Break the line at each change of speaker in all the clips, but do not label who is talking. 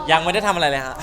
ยังไม่ได้ทำอะไรเลยฮะ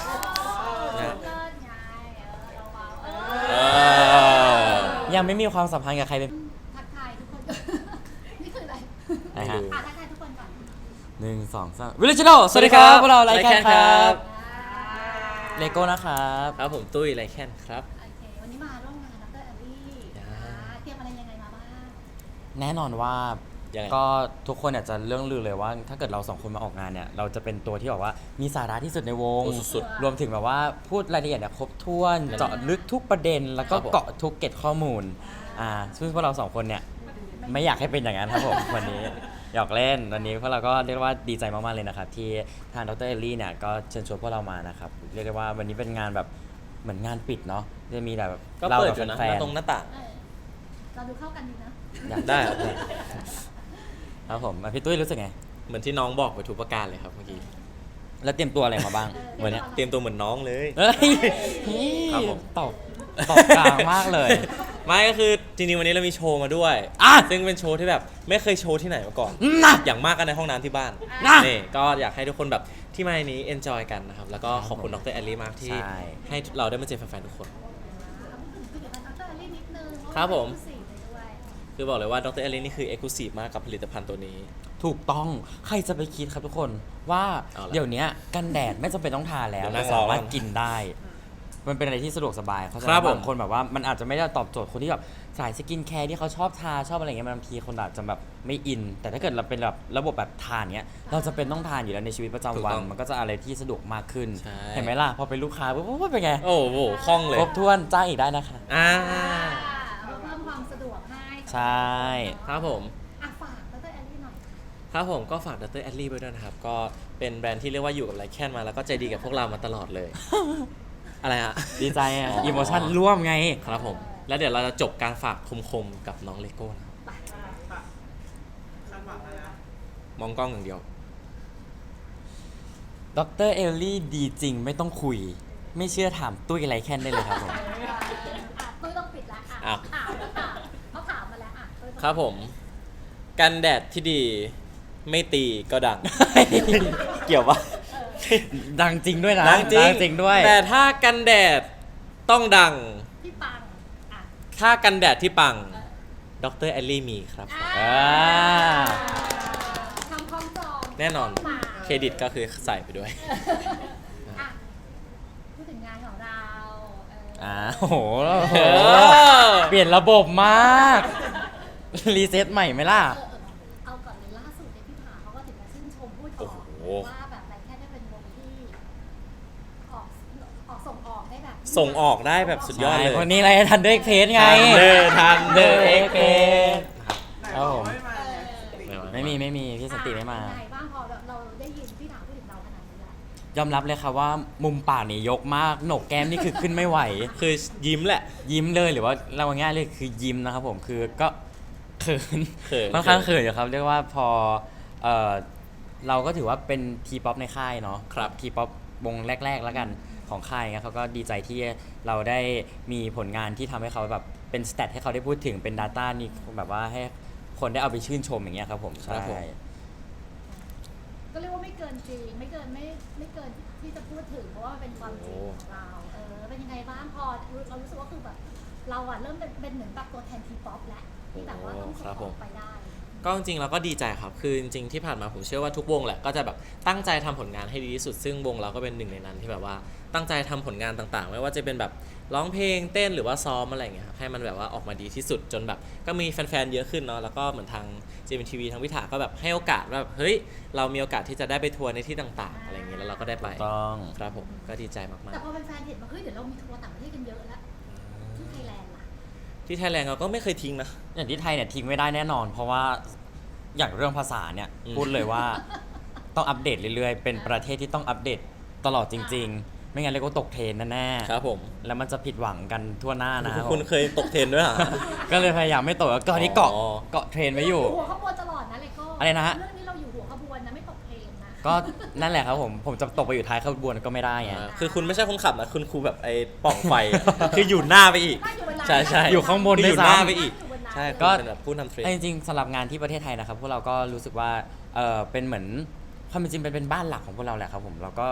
เออ
ยังไม่มีความสัมพันธ์กับใครเป็น
ทักทายทุกคน นี่คืออะไร
นะฮะ
ทักทายทุกคนก่อน
1 2 3 วิลเลจโนสวัสดีครับพวกเราไลค์แคนครับ
อ่า
เลโก้นะครับ
ครับผมตุ้ยไรแคนครับ
โอเควันนี้มาร่วมงานดร.แอลลี่
อ่า
เตรียมอะไรยังไงมาบ้าง
แน่นอนว่า
ยังไง
ก็ทุกคนอยากจะเรื่องลือเลยว่า ถ้าเกิดเราสองคนมาออกงานเนี่ยเราจะเป็นตัวที่แบบว่ามีสาระที่สุดในวง
โอ้สุด
รวมถึงแบบว่าพูดรายละเอียดเนี่ยครบถ้วน
นั่น
เจาะลึกทุกประเด็น แล้วก็
ครับผม
เกาะทุกเกร็ดข้อมูลซึ่งพวกเราสองคนเนี่ยไม่อยากให้เป็นอย่างนั้นครับผม วันนี้หยอกเล่นวันนี้พวกเราก็เรียกว่าดีใจมากๆเลยนะครับที่ทางดรเอลลี่เนี่ยก็เชิญชวนพวกเรามานะครับเรียกได้ว่าวันนี้เป็นงานแบบเหมือนงานปิดเนาะจะมีแบบ
ก็
เรา
เปิด
กับ
อยู่นะ
แฟ
หน้าน ตรงหน้าต่าง
เออเราดูเข้ากันดีนะ
ๆอยาก
ได้ครับ
ครับผมพี่ตุ้ยรู้สึกไง
เหมือนที่น้องบอกไปทุกประการเลยครับเมื่อกี้
แล้วเตรียมตัวอะไรมาบ้างวันเนี้ย
เตรียมตัวเหมือนน้องเลย
เฮ้ย
ครับผม
ตอบกลางมากเลย
ไม่ก็คือจริงๆวันนี้เรามีโชว์มาด้วย
อ่ะ
ซึ่งเป็นโชว์ที่แบบไม่เคยโชว์ที่ไหนมาก่อน
นะ
อย่างมากกันในห้องน้ำที่บ้าน
นะ
นี่ก็อยากให้ทุกคนแบบที่มาในนี้ enjoy กันนะครับ แล้วก็ขอบคุณดรแอลลี่มากที่
ใช่
ให้เราได้มาเจอแฟนๆทุกคน
ผลิตภัณฑ์ดร.แอลลี่นิดนึง
ครับผม
เพาะว่าเป็น exclusive เลยด้วย
คือบอกเลยว่าดรแอลลี่นี่คือ exclusive มากกับผลิตภัณฑ์ตัวนี้
ถูกต้องใครจะไปคิดครับทุกคนว่า
เอาละ
เดี๋ยวนี้กันแดดไม่จำเป็นต้องทาแล้ว
เดี๋ยวนั่ง
สามารถ
รอ
กินได้ มันเป็นอะไรที่สะดวกสบายเขาใจ
ครับผม
บางคนแบบว่ามันอาจจะไม่ได้ตอบโจทย์คนที่แบบสายสกินแคร์ที่เขาชอบทาชอบอะไรเงี้ยบางทีคนอาจจะแบบไม่อิน แต่ถ้าเกิดเราเป็นแบบระบบแบบทานเนี้ยเราจะเป็นต้องทานอยู่แล้วในชีวิตประจำวัน มันก็จะอะไรที่สะดวกมากขึ้น
ใช่
เห็นไหมล่ะพอเป็นลูกค้าปุ๊บเป็นไง
โอ้โหคล่องเลย
ครบถ้วนจ้างอีกได้นะคะ
อ่า
เพิ่มความสะดวกให้
ใช่
ครับผม
อ่ะฝากดร.แอลลี่หน่อย
ครับผมก็ฝากดรแอลลี่ไว้ด้วยนะครับ ก็เป็นแบรนด์ที่เรียกว่าอยู่กับไลแคนมาแล้วก็ใจดีกับพวกเรามาตลอดเลย อะไรฮะ
ดีใจอ่ะอิโมชั่นร่วมไง
ครับผม แล้วเดี๋ยวเราจะจบการฝากคมๆกับน้องเลโก้นะครับมองกล้องอย่างเดียว
ดรเอลลี่ดีจริงไม่ต้องคุย ไม่เชื่อถามตุ้ยไรแค่นได้เลยครับผม
ตุ้ยต้องปิดละ
อ้าว
ถามเขาถามมาแล้วตุ้ยต้อง
ครับผม กันแดดที่ดีไม่ตีก็ดัง เกี่ยวปะ
ดังจริงด้วยนะ
ดังจริง
ด้วย
แต่ถ้ากันแดดต้องดัง
พี่ปังอ่ะ
ถ้ากันแดดที่ปังดรแอลลี่มีครับ
อ่า
ทำคล้องจอง
แน่นอน
มา
เครดิตก็คือใส่ไปด้วย
อ่ะพูดถึงงานของเราเออ
โอ้โห
เออ
เปลี่ยนระบบมาก รีเซ็ตใหม่ไหมล่ะ
เอาก่อนเลยล่าสุดเนี่ยพี่ผาเขาก็ถึงมาชื่นชมพูดอ
โอ้
อก
โห
ว่าแบบไรแค่ได้เป็นวงที่ออกส่งออกได้แบบ
ส่งออกได้แบบสุดยอดเลย
วันนี้อะไรทันเดอร์เพจไง
ทันเดอร์เอ็กเพ
ครับผม
เออ
ไม่มีพี่สันติไม่มา
เป็นไงบ้างพอเราได้ยินพี่ถามพูดถึงเราขนาดนี้แล้ว
ยอมรับเลยครับว่ามุมปากนี่ยกมากโหนกแก้มนี่คือขึ้นไม่ไหว
คือยิ้มแหละ
ยิ้มเลยหรือว่าเราง่ายๆเลยคือยิ้มนะครับผมคือก็เขิน
เขิน
ค่อนข้างเขินอยู่ครับเรียกว่าพอเออเราก็ถือว่าเป็นทีป๊อปในค่ายเนาะ
ครับ
ทีป๊อปวงแรกๆแล้วกันของค่ายเงี้ยเขาก็ดีใจที่เราได้มีผลงานที่ทำให้เขาแบบเป็นสเตตให้เขาได้พูดถึงเป็น Data นี่แบบว่าให้คนได้เอาไปชื่นชมอย่างเงี้ยครับผม
ครับผม
ใช่
ก็เรียกว่าไม่เกินจริงไม่เกินที่จะพูดถึงเพราะว่ามันเป็นความจริงของเราเป็นยังไงบ้างพอเรารู้สึกว่าคือแบบเราอะเริ่มเป็นเหมือนแบบตัวแทนทีป๊อปแล้วที่แบบว่าต้องส่งออกไปได้
ก็จริงๆเราก็ดีใจครับ คือจริงๆที่ผ่านมาผมเชื่อว่าทุกวงแหละก็จะแบบตั้งใจทำผลงานให้ดีที่สุด ซึ่งวงเราก็เป็นหนึ่งในนั้นที่แบบว่าตั้งใจทำผลงานต่างๆ ไม่ว่าจะเป็นแบบร้องเพลงเต้นหรือว่าซ้อมอะไรอย่างเงี้ยครับให้มันแบบว่าออกมาดีที่สุดจนแบบก็มีแฟนๆเยอะขึ้นเนาะแล้วก็เหมือนทาง JMTV ทางวิถาก็แบบให้โอกาสว่าแบบเฮ้ยเรามีโอกาสที่จะได้ไปทัวร์ในที่ต่างๆอะไรอย่างเงี้ยแล้วเราก็ได้ไป
ต้อง
ครับผมก็ดีใจมาก
แต่พอเป็นแฟนเห็นว่าเฮ้ยเดี๋ยวเรามีทัวร์ต่างประเทศกันเยอะแล้วที่ไทยแลนด์ล่ะ
ๆที่ไทยแลนด์เราก็ไม่เคยทิ้งนะ
อย่างที่ไทยเนี่ยทิ้งไม่ได้แน่นอน เพราะว่าอย่างเรื่องภาษาเนี่ย
อืม
พูดเลยว่าต้องอัปเดตเรื่อยๆ เป็นประเทศที่ต้องอัปเดตตลอดจริง ๆ ไม่งั้นเรียกว่าตกเทรนด์แน่ๆ
ครับผม
แล้วมันจะผิดหวังกันทั่วหน้านะครับ
คุณเคยตกเทรนด์ด้วยเหรอ
ก็เลยพยายามไม่ตกแล้วก็ที่เกาะ
อ๋อ
เกาะเทรนด์ไว้อยู่
หัวขบวนตลอดนะเลยก็
อะไรนะฮะ
เรื่องนี้เราอยู่หัวขบวนนะไม่ตกเพลงนะ
ก็นั่นแหละครับผมจะตกไปอยู่ท้ายขบวนก็ไม่ได้ไง
คือคุณไม่ใช่คนขับนะคุณครูแบบไอ้ปล่องไฟอะ คืออยู่หน้าไปอีก
น่าอยู่เวลา
ใช่ใช่
อยู่ข้างบน
คือ
ด้
อ
วย
ยู่
ซ้ำ
หน้าไปอีก
อยู่บนนั้น
ใช่
ก็
ก็เป็นแบบผู้นำเทรน
แต่จริงๆสำหรับงานที่ประเทศไทยนะครับพวกเราก็รู้สึกว่าเป็นเหมือนความเป็นจริงเป็นบ้านหลักของพวกเราแหละครับผมเราก็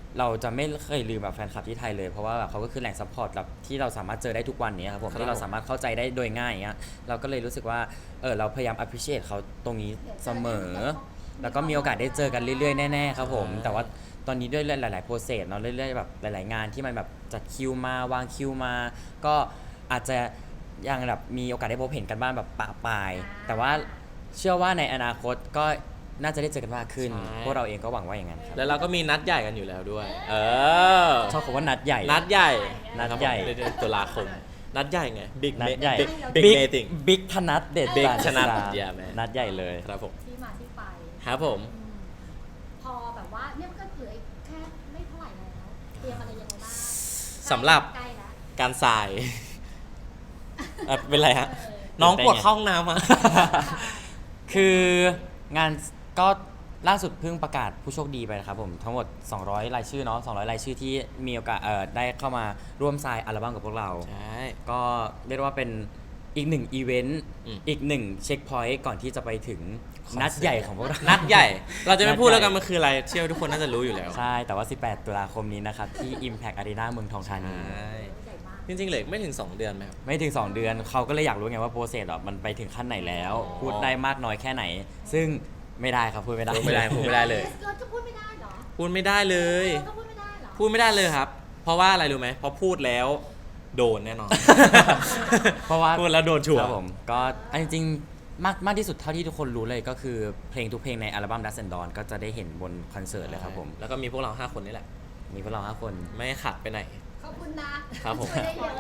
เราจะไม่เคยลืมแบบแฟนคลับที่ไทยเลยเพราะว่าแบบเขาก็คือแหล่งซัพพอร์ตแบบที่เราสามารถเจอได้ทุกวันนี้ครับผม
ครับ
ที่เราสามารถเข้าใจได้โดยง่ายอย่างเงี้ยเราก็เลยรู้สึกว่าเราพยายาม appreciate เขาตรงนี้เสมอ แล้วก็มีโอกาสได้เจอกันเรื่อยๆแน่ๆครับผม
ใช่
แต่ว่าตอนนี้ด้วยหลายๆโปรเซสเนาะเรื่อยๆแบบหลายๆงานที่มันแบบจัดคิวมาวางคิวมา ก็อาจจะยังแบบมีโอกาสได้พบเห็นกันบ้างแบบปะปาย แต่ว่าเชื่อว่าในอนาคตก็น่าจะได้เจอกันมากขึ้น
ใช่
พวกเราเองก็หวังว่าอย่างนั้นครับ
แล้วเราก็มีนัดใหญ่กันอยู่แล้วด้วย เออ
ชอบคำว่านัดใหญ่
นัดใหญ่
นัดใหญ่
นะครับผมเดือนตุลาคม นัดใหญ่ไง บิ๊ก
นัดใหญ่
บิ๊กเมติง
บิ๊กธนัดเด็ด
Big
ดา
ธนัด
ดา
yeah man
นัดใหญ่เลย
ครับผม
ที่มาที่ไป
ครับผม
อืมพอแบบว่าเนี่ยมันก็เหลืออีกแค่ไม่เท่าไหร่แล้วเตรียมอะไรยังไงบ้าง
สำหรับ
ใกล้แล้ว
การสาย เป็นไรฮะ น้องปวดเข้าห้องน้ำมา
คืองานก็ล่าสุดเพิ่งประกาศผู้โชคดีไปนะครับผมทั้งหมด 200 รายชื่อเนาะ200 รายชื่อที่มีโอกาสได้เข้ามาร่วมทรายอัลบั้มกับพวกเรา
ใช่
ก็เรียกได้ว่าเป็นอีกหนึ่งอีเวนต์
อืม
อีกหนึ่งเช็คพอยต์ก่อนที่จะไปถึงนัดใหญ่ของพวกเรา
นัดใหญ่ เราจะไม่พูด
นัดใหญ่
แล้วกันมันคืออะไร เชื่อว่าทุกคนน่าจะรู้อยู่แล้ว
ใช่ แต่ว่า 18 ตุลาคมนี้นะครับ ที่ Impact Arena เมืองทองธานี
ใช่
ใหญ่มาก
จริงๆเหลือไม่ถึง 2 เดือนไหมครับ
ไม่ถึง 2 เดือนเขาก็เลยอยากรู้ไงว่าโปรเซสอ่ะมันไปถึงขั้นไหนแล้ว
อ๋อ
พูดได้มากน้อยแค่ไหน ซึ่งไม่ได้ครับพูดไม่ได้
พูดไม่ได้พูดไม่ได้เลย
เราจะพูดไม่ได้เหรอ
พูดไม่ได้เลย
เราก็พูดไม่ได้เหรอ
พูดไม่ได้เลยครับ เพราะว่าอะไรรู้ไหมเพราะพูดแล้วโดนแน่นอน
เพราะว่า
พูดแล้วโดนชัว
ค
ร์
รับผมก็อันจริงๆมากที่สุดเท่าที่ทุกคนรู้เลยก็คือเพลงทุกเพลงในอัลบั้ม Dust and Dawn ก็จะได้เห็นบนคอนเสิร์ตเลยครับผม
แล้วก็มีพวกเรา 5 คนนี่แหละ
มีพวกเรา5คน
ไม่ขาดไปไหน
ขอบคุณนะครับ
ผม
ช่วยได้เยอะ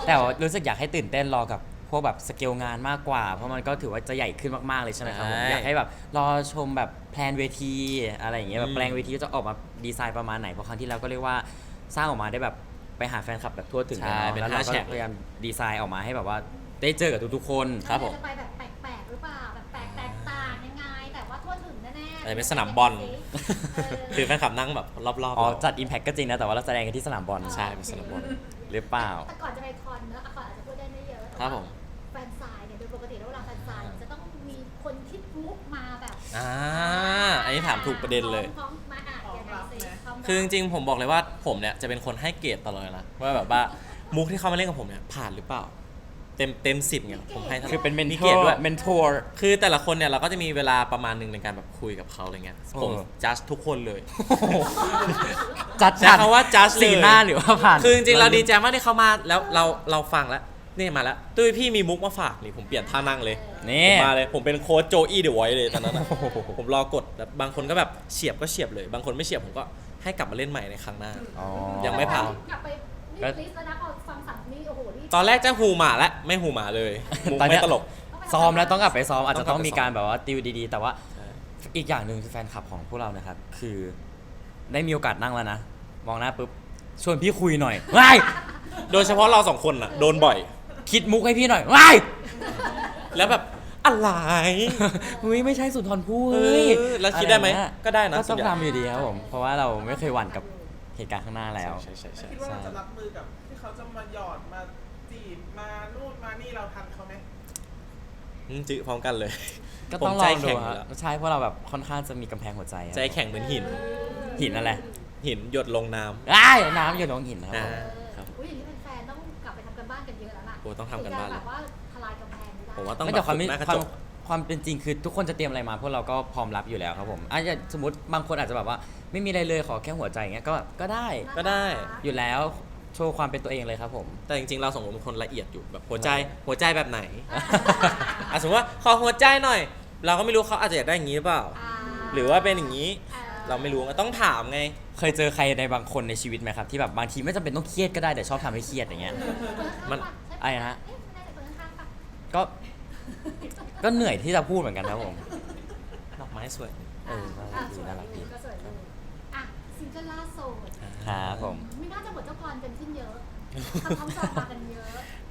แต่ว่ารู้สึกอยากให้ตื่นเต้นรอกับพวกแบบสเกลงานมากกว่า เพราะมันก็ถือว่าจะใหญ่ขึ้นมากๆเลยใช่ไหมครับผม
ใช่
อยากให้แบบรอชมแบบแพลนเวทีอะไรอย่างเงี้ยแบ
อื
บ
ม
แปลงเวทีจะออกมาดีไซน์ประมาณไหนเพราะครั้งที่แล้วก็เรียกว่าสร้างออกมาได้แบบไปหาแฟนคลับแบบทั่วถึง
ใช่
แล้ว
เป็น
แล้วเรา
5
ก็
แฉก
พยายามดีไซน์ออกมาให้แบบว่าได้เจอกับทุกๆคน
ครับผม
จะไปแบบแปลกๆหรือเปล่าแบบแปลกแตกต่างยังไง แต่ว่าทั่วถึงแน่ๆ
อะไรเป็นสนามบอล คือแฟนคลับนั่งแบบรอบๆ
อ๋อ
เรา
จัด Impact ก็จริงนะแต่ว่าเราแสดงกันที่สนามบอล
ใช่เป็นสนามบอล
หรือเปล่า
แต่ก่อนจะไปคอนเนอะก่อนอาจจะพูดได้ไม่เยอะแต่
ครับ
ว่า
ผม
แฟนซายเนี่ยโดยปกติแล้วเวลาแฟนซายเนี่ยจะต้องมีคนคิดมุกมาแบบ
อันนี้ถามถูกประเด็นเลย
พร้อมๆมาอ่ะยังไงสิพร้มๆ
คือจริงๆผมบอกเลยว่าผมเนี่ยจะเป็นคนให้เกรดตลอดเลยนะว่าแบบว่ามุกที่เขามาเล่นกับผมเนี่ยผ่านหรือเปล่า เต็ม10ไงผมให้ท่า
คือเป็นเมน
มี
เท
เกร
อ
ด
ร์
ด้วย
เมนทอร์
คือแต่ละคนเนี่ยเราก็จะมีเวลาประมาณหนึงในการแบบคุยกับเขาอะไรเงี้ยผม
เออ
จัดทุกคนเลย
จัด
ใช้คำว่า judge เลย
สีหน้าหรือว่าผ่าน
คือจริงๆเราดีใจมากที่เขามาแล้วเราฟังแล้วนี่มาแล้วตุ้ยพี่มีมุกมาฝากนี่ผมเปลี่ยนท่านั่งเลย
นี่
ผมมาเลยผมเป็นโค้ชโจอี้เดอะไวท์เลยตอนนั้นนะ ผมรอกดแล้วบางคนก็แบบเฉียบก็เฉียบเลย บางคนไม่เฉียบผมก็ให้กลับมาเล่นใหม่ในครั้งหน้า
อ๋อ
ยังไม่ผ่าน
กลับไปนี่ลิสต์แล้วนะพอฟังสั่งนี่โอ้โหนี่
ตอนแรกจะหูหมาแล้วไม่หูหมาเลยมุก
ตอนเนี้
ไม่
ย
ตลก
ซ้อมแล้วต้องกลับไปซ้อมอาจจะ
ต้
ต้
อ
อง ง
กลับไป
มีการแบบว่าติวดีๆ แต่ว่า
ใช่
อีกอย่างหนึ่งคือแฟนคลับของพวกเรานะครับ คือได้มีโอกาสนั่งแล้วนะ มองหน้าปุ๊บชวนพี่คุยหน่อยว้าย
โดยเฉพาะเราสองคนน่ะโดนบ่อย
คิดมุกให้พี่หน่อยว้าย
แล้วแบบอะไร
เฮ้ยไม่ใช่สุนทรภู่
เอ
เฮ้ย
อแล้วคิดได้ไหม
อะรเงี้ย
ก็ได้นะ
ก็
ส่
ต้
ว
อน ง
ใหญ่
ทำอยู่ดีครับผมเพราะว่าเราไม่เคยหวั่นกับเหตุการณ์ข้างหน้าแล้ว
ใช่ใช่ใช่
คิดว่าเราจะรับมือกับที่เขาจะมาหยอดมาจีบมานู่นมานี่เราทันเขาไหม
จื้อพร้อมกันเลย
ก็ต้อง
ผม
ล
ใจ
องดู
แข็ง
ค
อยู่
รับ
แล้ว
ใช่เพราะเราแบบค่อนข้างจะมีกำแพงหัวใจครับ
ใจแข็งเหมือนหิน
หินอะไร
หินหยดลงน้ำ
อ้ายน้ำอยู่ลงหินนะครับ
อ่า
ผม
ครับ
อุ้ยอย่างนี้แฟนๆต้องกลับไปทำกันบ้านกันเยอะแล้วล่ะ
โอ้ต้องทำกันบ้านเลย
แบบว่าทลายกำแพงไม่ได้
ผมว่าต้อง
ไม่
แบ
แต่
บ
ความ
ฝึ
ไม่
กหน้ากระ
ควา
จ
ม
ก
ความเป็นจริงคือทุกคนจะเตรียมอะไรมาพวกเราก็พร้อมรับอยู่แล้วครับผมอาจจะสมมติบางคนอาจจะแบบว่าไม่มีอะไรเลยขอแค่หัวใจอย่างเงี้ยก็ได้
ก็ได้
อยู่แล้วโชว์ความเป็นตัวเองเลยครับผม
แต่จริงๆเราสองคนเป็นคนละเอียดอยู่แบบหัวใจแบบไหน อ่ะสมมติว่าขอหัวใจหน่อย เราก็ไม่รู้เขาอาจจะอยากได้อย่างนี้หรือเปล่า หรือว่าเป็นอย่างนี้ เราไม่รู้ก็ต้องถามไง
เคยเจอใครในบางคนในชีวิตไหมครับที่แบบบางทีไม่จำเป็นต้องเครียดก็ได้แต่ชอบทำให้เครียดอย่างเงี้ย
มัน
อะไรนะ
เอ๊ไม่ได้แต่คนข้างๆปะ
ก็เหนื่อยที่จะพูดเหมือนกันครับผม
ดอกไม้สวย
น่ารักดี
ก็สวยดีอ่ะซิงเกิลล่าสุด
ครับผม
ไม่น่าจะหมดเจ้ากรกันขึ้นเยอะทำท้องจองมากันเยอะ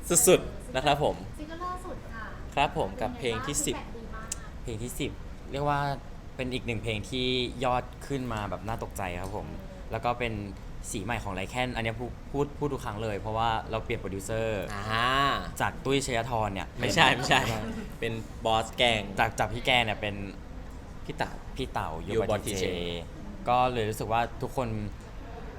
สุดๆนะครับผม
ซิงเกิลล่าสุดค่ะ
ครับผมกับเพลงที่
ฟีดแบ็กดีมาก
เพลงที่ 10 เรียกว่าเป็นอีกหนึ่งเพลงที่ยอดขึ้นมาแบบน่าตกใจครับผมแล้วก็เป็นสีใหม่ของไลแคนอันเนี้ยพูดทุกครั้งเลยเพราะว่าเราเปลี่ยนโปรดิวเซอร์ จากตุ้ยชยธรเนี่ย
ไม่ใช่ เป็นบอสแกง
จากพี่แกเนี่ยเป็น
พี่เต๋า
พี่เต่า
ยู
ยู
บ
บ
อ
อ
ล
ที
TJ
เจก็เลยรู้สึกว่าทุกคน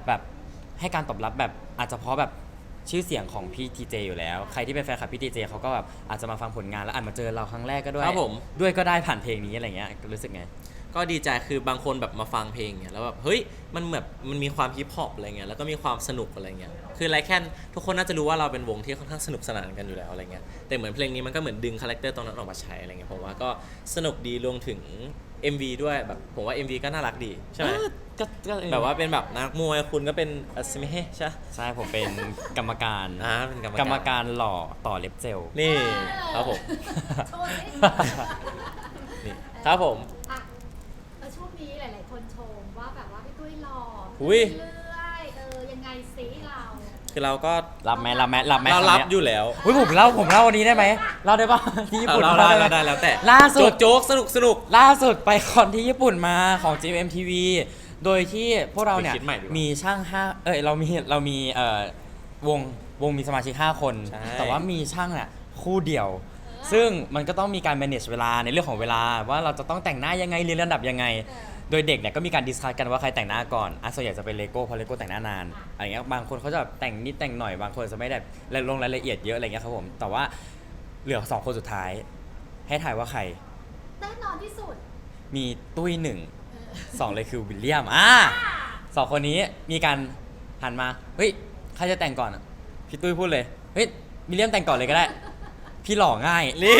แบบให้การตอบรับแบบอาจจะเพราะแบบชื่อเสียงของพี่ทีเจอยู่แล้วใครที่เป็นแฟนคลับพี่ทีเจเขาก็แบบอาจจะมาฟังผลงานแล้วอาจมาเจอเราครั้งแรกก็ด้วย
ครับผม
ด้วยก็ได้ผ่านเพลงนี้อะไรเงี้ยรู้สึกไง
ก็ดีใจคือบางคนแบบมาฟังเพลงเนี่ยแล้วแบบเฮ้ยมันแบบมันมีความฮิปฮอปอะไรเงี้ยแล้วก็มีความสนุกอะไรเงี้ยคือไรแค่ทุกคนน่าจะรู้ว่าเราเป็นวงที่ค่อนข้างสนุกสนานกันอยู่แล้วอะไรเงี้ยแต่เหมือนเพลงนี้มันก็เหมือนดึงคาแรคเตอร์ตรงนั้นออกมาใช้อะไรเงี้ยผมว่าก็สนุกดีรวมถึง MV ด้วยแบบผมว่า MV ก็น่ารักดีใช่ไหม
ก็
แบบว่าเป็นแบบนักมวยคุณก็เป็นอัศมิเฮใช่
ใช่ผมเป็นกรรมการ
เป็นกรรม
กรรมการหล่อต่อเล็บเจล
นี่ครับผม
โชว์สิ
นี่ครับผม
อ่ะช่วงนี้หลาย ๆ คนชมว่าแบบว่าพี่ตุ้ยหล่อ
อุ๊ย
เรื่อยๆยังไงสิเรา
คือเราก็
รับไหม
เรา
คำ
รับ
เนี้
อยู่แล้ว
อุ้ยผมเล่าวันนี้ได้ไหมเล่าได้ปะที่ญี่ปุ่น
เรา
เล่า
ได้
ได้
แล้วแต่
ล่าสุด
โจ๊กสนุก
ล่าสุดไปคอนที่ญี่ปุ่นมาของ GMMTV โดยที่พวกเราเนี่ย
ไปคิดใหม่ดีกว่า
มีช่างเรามีวงมีสมาชิก5คน
ใช่
แต่ว่ามีช่างเนี่ยคู่เดียว ซึ่งมันก็ต้องมีการ manage เวลาในเรื่องของเวลาว่าเราจะต้องแต่งหน้ายังไงเรียนระดับยังไง โดยเด็กเนี่ยก็มีการดิสคัสกันว่าใครแต่งหน้าก่อนส่วนใหญ่จะเป็นเลโก้เพราะเลโก้แต่งหน้านานอะไรเงี้ยบางคนเขาจะแบบแต่งนิดแต่งหน่อยบางคนจะไม่ได้ลงรายละเอียดเยอะอะไรเงี้ยครับผมแต่ว่าเหลือ2คนสุดท้าย ให้ถ่ายว่าใคร
แน่นอนที่สุด
มีตุ้ย1 2เลยคือวิลเลียมสองคนนี้มีการหันมาเฮ้ยใครจะแต่งก่อนอะพี่ตุ้ยพูดเลยเฮ้ยวิลเลียมแต่งก่อนเลยก็ได้ พี่หล่อง่าย
นี่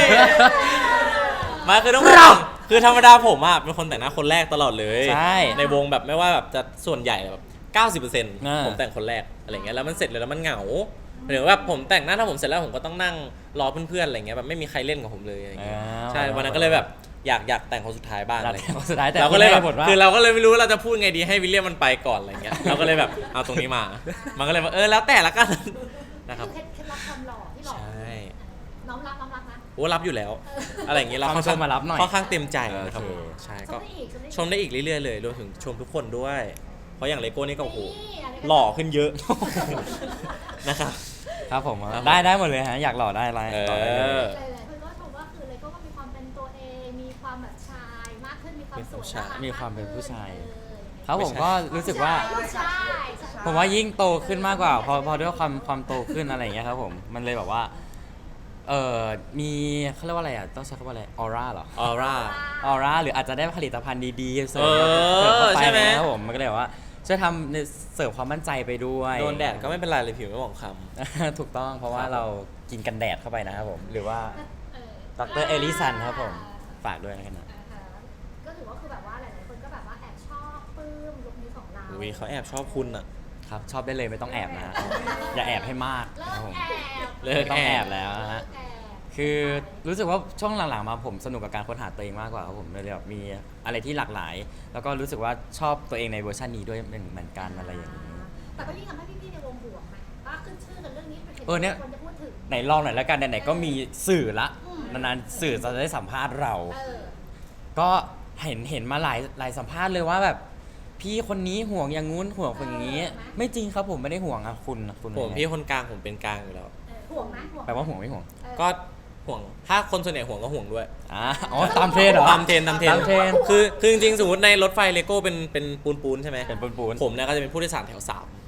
มาคือต้องบอกคือธรรมดาผมอ่ะเป็นคนแต่งหน้าคนแรกตลอดเลย
ใช่
ในวงแบบไม่ว่าแบบจะส่วนใหญ่แบบ 90%
อ่า
ผมแต่งคนแรกอะไรเงี้ยแล้วมันเสร็จเลยแล้วมันเหงาหรือว่าผมแต่งหน้าถ้าผมเสร็จแล้วผมก็ต้องนั่งรอเพื่อนๆอะไรเงี้ยแบบไม่มีใครเล่นกับผมเลยอะไรเงี้ยใช่วันนั้นก็เลยแบบอยากแต่งคนสุดท้ายบ้างอะไร
แต่
เงี้ย
สุดท้ายแต่
เราก็เลยแบบ
บทว่า
คือเราก็เลยไม่รู้ว่าเราจะพูดไงดีให้วิลเลียมมันไปก่อนอะไรเงี้ยเราก็เลยแบบเอาตรงนี้มา มันก็เลยว่าแล้วแต่ละกันนะครับ
คือเคล็ดลับความหล่อที่หล่อ
ใช่
น้องรับนะ
โอ้รับอยู่แล้ว อะไรอย่างงี้เรา
ความชมมารับหน่อย
ค่อนข้างเต็มใจนะครับ
โอเค
ผมใช่
ช
ก็
มได้อีก
ชมได้อีกเรื่อยๆเลยรวมถึงชมทุกคนด้วย เพราะอย่างเลโก้นี่ก็โอ้โห
นี่ะไรก็
หล่อขึ้นเยอะ นะครับ
ครับผม
ครับ
ได้หมดเลยฮะอยากหล่อได้อะไรต่อได้เลย
หลายๆคนก็ชมว่าคือเลยก็มีความเป็นตัวเองมีความแบบชายมากขึ้นมีความสวยน่ารัก
มีความเป็นผู้ชาย
เออ
ครับผมก็รู้สึกว่า
ผู้ชาย
ผมว่ายิ่งโตขึ้นมากกว่าพอด้วยความโตขึ้นอะไรอย่างเงี้ยครับผมมันเลยแบบว่ามีเขาเรียกว่าอะไรอ่ะต้องใช้คำว่าอะไรออร่าเหรอ
ออร่า
ออร่าหรืออาจจะได้ผลิตภัณฑ์ดีๆเสริม
เออ
เข้าไป
ใช่ไหม
นะครับผมมันก็เลยแบบว่าช่วยทำในเสริมความมั่นใจไปด้วย
โดนแดดก็ไม่เป็นไรเลยผิวไม่หมองคล้
ถูกต้องเพราะว่า
ครับ
เรากินกันแดดเข้าไปนะครับผมหรือว่า
เออ
ดรเอลิสันครับผมฝากด้วยนะครับ
ก็ถือว่าคือแบบว่าหลายๆคนก็แบบว่าแอบชอบปลื้มลุคนี้ของเรา
ำอุ้ยเขาแอบชอบคุณอ่ะ
ครับชอบได้เลยไม่ต้องแอบนะฮะอย่าแอบให้มาก
เลิ
ครับ
ก
ผม
แอบ
เลิก
ไม่ต้องแอบแล้วนะฮะ
เลิกแอบ
คือรู้สึกว่าช่วงหลังๆมาผมสนุกกับการค้นหาตัวเองมากกว่าครับผมเลยแบบมีอะไรที่หลากหลาย แล้วก็รู้สึกว่าชอบตัวเองในเวอร์ชันนี้ด้วยเหมือนกันอะไรอย่างนี้
แต่ก็ยิ่งทำให้พี่ๆในวงบวกไหมว่าขึ้นชื่อกันเรื่องนี้เป็น
เนี่ย
คนจะพูดถึง
ไหนลองหน่อยแล้วกันไหนๆก็มีสื่อละ
อืม
นานๆสื่อจะได้สัมภาษณ์เรา
เออ
ก็เห็นมาหลายสัมภาษณ์เลยว่าแบบพี่คนนี้ห่วงอย่างงู้นห่วงคนอย่างนี้ ไม่จริงครับผมไม่ได้ห่วงอะคุณ
ผมพี่คนกลางผมเป็นกลางอยู่แล้ว
ห่วงไหมห่วง
แปลว่าห่วงไม่ห่วง
ก็ห่วงถ้าคนส่วนใหญ่ห่วงก็ห่วงด้วย
อ๋อตามเทรนด์เหรอ
ตามเทรนด์
ตามเทรนด์
คือจริงๆสมมติในรถไฟเลโก้เป็นปูนใช่ไหม
เป็นปูน
ผมเนี่ยก็จะเป็นผู้โดยสารแถว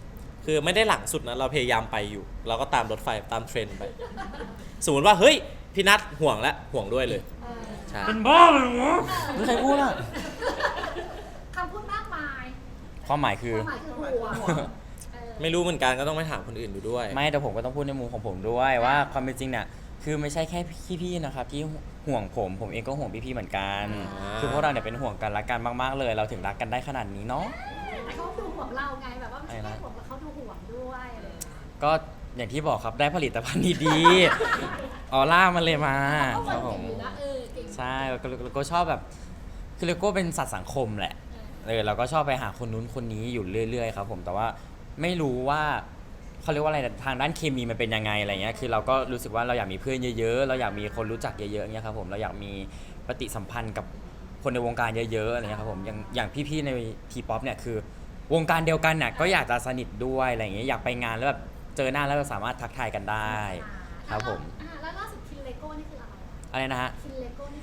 3 คือไม่ได้หลังสุดนะเราพยายามไปอยู่ เราก็ตามรถไฟตามเทรนด์ไป สมมติว่าเฮ้ยพี่นัทห่วงแล้วห่วงด้วยเลย
เออ
ใช่
เป็นบ้าเลยวะไม่ใครพูดอะ
คำพูดมากมาย
ความหมายคือ
ความหมายคือห่วงเออ
ไม่รู้เหมือนกันก็ต้องไปถามคนอื่นดูด้วย
ไม่แต่ผมก็ต้องพูดในมุมของผมด้วยว่าความเป็นจริงเนี่ยคือไม่ใช่แค่พี่ๆนะครับที่ห่วงผมเองก็ห่วงพี่ๆเหมือนกัน
อ่า
คือพวกเราเนี่ยเป็นห่วงกันรักกันมากๆเลย เราถึงรักกันได้ขนาดนี้เนาะ
แต่เขาดูห่วงเราไงแบบว่าไม่ใช่แค่ห่วงแต่เขาดูห่วงด้วยอะไรอย่างเงี้ย
ก็อย่างที่บอกครับได้ผลิตภัณฑ์ดีๆออร่ามันเลยมาค
เขา
รับ
ค
ผ
น
ม
เก่งอยู่นะเก่ง
ใช่แล้วก็ชอบแบบคือเลโก้เป็นสัตว์สังคมแหละเราก็ชอบไปหาคนนู้นคนนี้อยู่เรื่อยๆครับผมแต่ว่าไม่รู้ว่าเขาเรียกว่าอะไรทางด้านเคมีมันเป็นยังไงอะไรเงี้ยคือเราก็รู้สึกว่าเราอยากมีเพื่อนเยอะๆเราอยากมีคนรู้จักเยอะๆเงี้ยครับผมเราอยากมีปฏิสัมพันธ์กับคนในวงการเยอะๆอะไรเงี้ยครับผมอย่างพี่ๆในทีป๊อปเนี่ยคือวงการเดียวกันเนี่ยก็อยากจะสนิทด้วยอะไรเงี้ยอยากไปงานแล้วแบบเจอหน้าแล้วเราสามารถทักทายกันได้ ครับผม
แล้วล่าสุดคินเลโก้นี่คืออะไร
อะไรนะฮะ
คินเลโก้นี่คือ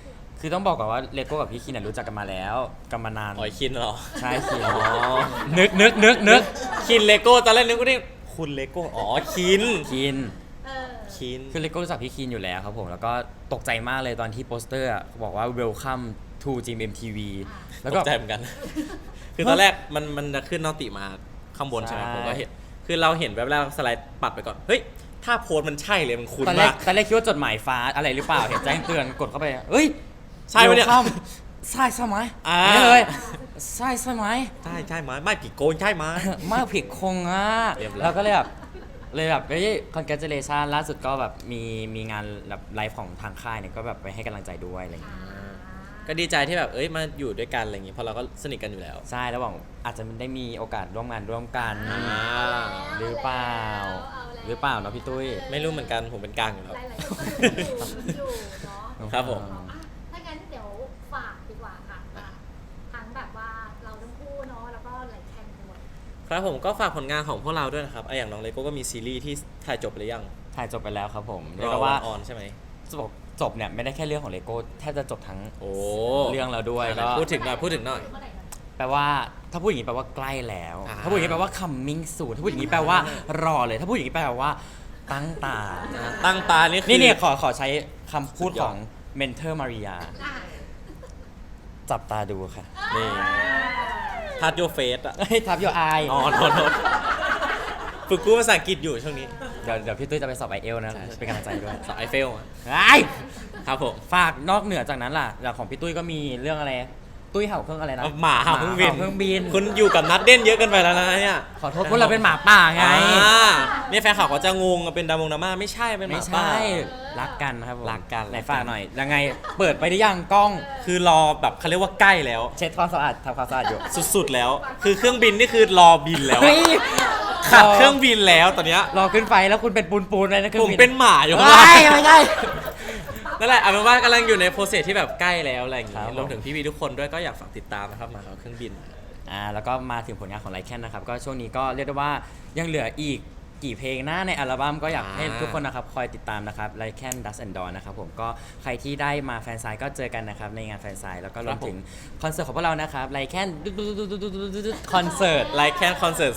คือต้องบอกก่อนว่าเลโก้กับพี่คินรู้จักกันมาแล้วกันมานาน
อ๋อคินเหรอ
ใช่คิน
อ๋อ
นึก
คินเลโก้ตอนแรกนึกว่านี่คุณเลโก้อ๋อคิน
คิน
เออ
คิน
คือเลโก้รู้จักพี่คินอยู่แล้วครับผมแล้วก็ตกใจมากเลยตอนที่โปสเตอร์อะบอกว่า welcome to Gym MTV แล้ว
ต
ก็
กใจเหมือนกัน คือตอนแรกมันจะขึ้นนอติมาข้างบนใช่ไหม
ใช่
ผมก็เห็นคือเราเห็นแบบแรกสไลด์ปัดไปก่อนเฮ้ยถ้าโพสต์มันใช่เลยมันคุ้น
ตอนแร
มาก ก
ตอนแรกคิดว่าจดหมายฟ้าอะไรหรือเปล่า เห็นแจ้งเตือนกดเข้าไปเอ้ย
ใช่ปะเนี่ย
welcome ใช่ใช่ไหม
อ่า
นี่เลยใช่ใช่ไหม
ใช่ไหมไม่ผิดโกนใช่ไหม
มากผิดคงอ่ะ
เรียบร้อย
แล้วก็เลยแบบเฮ้ย congratulation ล่าสุดก็แบบมีงานแบบไลฟ์ของทางค่ายเนี่ยก็แบบไปให้กำลังใจด้วยอะไรอย่างเงี้ย
ก็ดีใจที่แบบเอ้ยมาอยู่ด้วยกันอะไรอย่างงี้เพราะเราก็สนิทกันอยู่แล้ว
ใช่แล้วหวังอาจจะได้มีโอกาสร่วมงานร่วมกัน
อ่า
หรือเปล่า หรือเปล่าเนาะพี่ตุ้ย
ไม่รู้เหมือนกันผมเป็นกลางอยู่แล้ว
หลายๆคนก็อยู่เนาะ
ครับผม
อ่ะถ้างั้นเดี๋ยวฝากดีกว่าค่ะทั้งแบบว่าเราทั้งคู่เนาะแล้วก็หลายแคนด้วย
ครับผมก็ฝากผลงานของพวกเราด้วยนะครับอย่างน้องเลโก้ก็มีซีรีส์ที่ถ่ายจบไปหรือยัง
ถ่ายจบไปแล้วครับผมเรีย
ร
ก
อ
ได้
ว่า
ว่า
ออนใช่ไหม
จบเนี่ยไม่ได้แค่เรื่องของเลโก้แทบจะจบทั้ง
โอ้
เรื่องแล้วด้วยก็
พูดถึงหน่อยพูดถึงหน่อย
เมื่ไหร่นะ
แปลว่าถ้าพูดอย่างนี้แปลว่าใกล้แล้ว
อ่า
ถ้าพูดอย่างนี้แปลว่า coming soon ถ้าพูดอย่างนี้แปลว่ารอเลย ถ้าพูดอย่างนี้แปลว่าตั้งตา
ตั้งตานี่คือ
นี่ขอใช้คำพูด
สุดยอด
ของเมนเทอร์มาริยา
อ่ะ
จับตาดูค่ะ
นี่ทัดโยเฟสอะ
เฮ้ยทับโยอาย
อ๋อโทษฝึกพูดภาษาอังกฤษอยู่ช่วงนี้
เดี๋ยวพี่ตุ้ยจะไปสอบ IELTS นะเป็นกำลังใจด้วย
สอบไอเฟลอะ
ไอ้
ครับผม
ฝากนอกเหนือจากนั้นล่ะอย่างของพี่ตุ้ยก็มีเรื่องอะไร ตุ้ยเห่าเครื่องอะไรนะ
หมาเห่าเครื่องบิน
เครื่องบิน
คุณอยู่กับนัดเด่นเยอะเกินไปแล้วนะเนี่ย
ขอโทษพวกเราเป็นหมาป่าไง
เนี่ยแฟนข่าวก็จะงงเป็นดราม่าไม่ใช่เป็นห
ไม่
มาป่า
ใช่รักกันครับผม
รักกัน
ไหนฝากหน่อย ยังไงเปิดไปได้ยังกล้อง
คือรอแบบเขาเรียกว่าใกล้แล้ว
เช็ดความสะอาดทำความสะอาดอยู่
สุดๆแล้ว คือเครื่องบินนี่คือรอบินแล้วอะ
เฮ้ย
ขับเครื่องบินแล้วตอนเนี้ย
รอขึ้นไปแล้วคุณเป็นปูนๆเลยนะเครื่
ผ
อง
ม
บิน
เป็นหมาอยู่ข้าง
ไม่
ล่าง
ไม่ใช่
นั่นแหละเอาเป็นว่ากำลังอยู่ในโปรเซสที่แบบใกล้แล้วอะไรอย่าง
ครั
งี้
บผม
รวมถึงพี่วีทุกคนด้วยก็อยากฝากติดตามนะครับหมาเขาเครื่องบิน
แล้วก็มาถึงผลงานของไลแคนนะครับก็ช่วงนี้ก็เรียกได้ว่ายังเหลืออีกกี่เพลงหน้าในอัลบั้มก็อยากให้ทุกคนนะครับคอยติดตามนะครับไลแคนดัสแอนด์ดอนนะครับผมก็ใครที่ได้มาแฟนไซน์ก็เจอกันนะครับในงานแฟนไซน์แล้วก็รวมถึงคอนเสิร์ตของพวกเรานะครับไลแคนคอนเสิร์ต
ไลค์แค่คอนเสิร์ต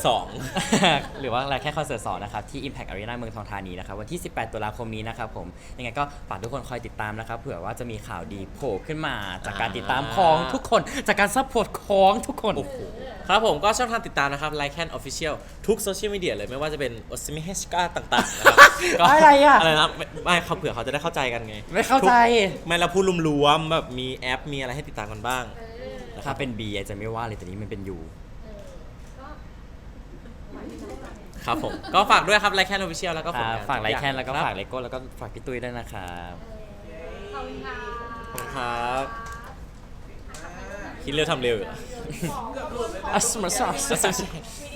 2
หรือว่าอะไรแค่คอนเสิร์ต2นะครับที่ Impact Arena เมืองทองธานีนะครับวันที่ 18 ตุลาคมนี้นะครับผมยังไงก็ฝากทุกคนคอยติดตามนะครับเผื่อว่าจะมีข่าวดีโผล่ขึ้นมาจากการติดตามของทุกคนจากการซัพพอร์ตของทุกคน
โอ้โหครับผมก็ช่องทางติดตามนะครับไลค์แคนออฟฟิเชียลทุกโซเชียลมีเดียเลยไม่ว่าจะเป็นโอซิมิเฮชกาต่างๆนะครับก็
อะไรอะ
อะไรนะไม่เขาเผื่อเขาจะได้เข้าใจกันไง
ไม่เข้าใจ
ไม่เราพูดรวมๆแบบมีแอปมีอะไรให้ติดตามกันบ้าง
ถ้าเป็น B อาจจะไม่ว่าเลยแต่นี้มันเป็น U
ก็
ครับผม ก็ฝากด้วยครับไลค์แคนออฟฟิเชียลแล้วก็ผลงาน
ฝากไลแคนแล้วก็
รับ
ฝากเลโก้แล้วก็ฝากพี่ตุ้ยด้วยนะครับ
ขอบคุณค่ะ
ขอบคุณครับคิดเร็วทำเร็วอยู่เหรอ
ของ
เกือบหลุดเลยนะ
อ่ะสมัคร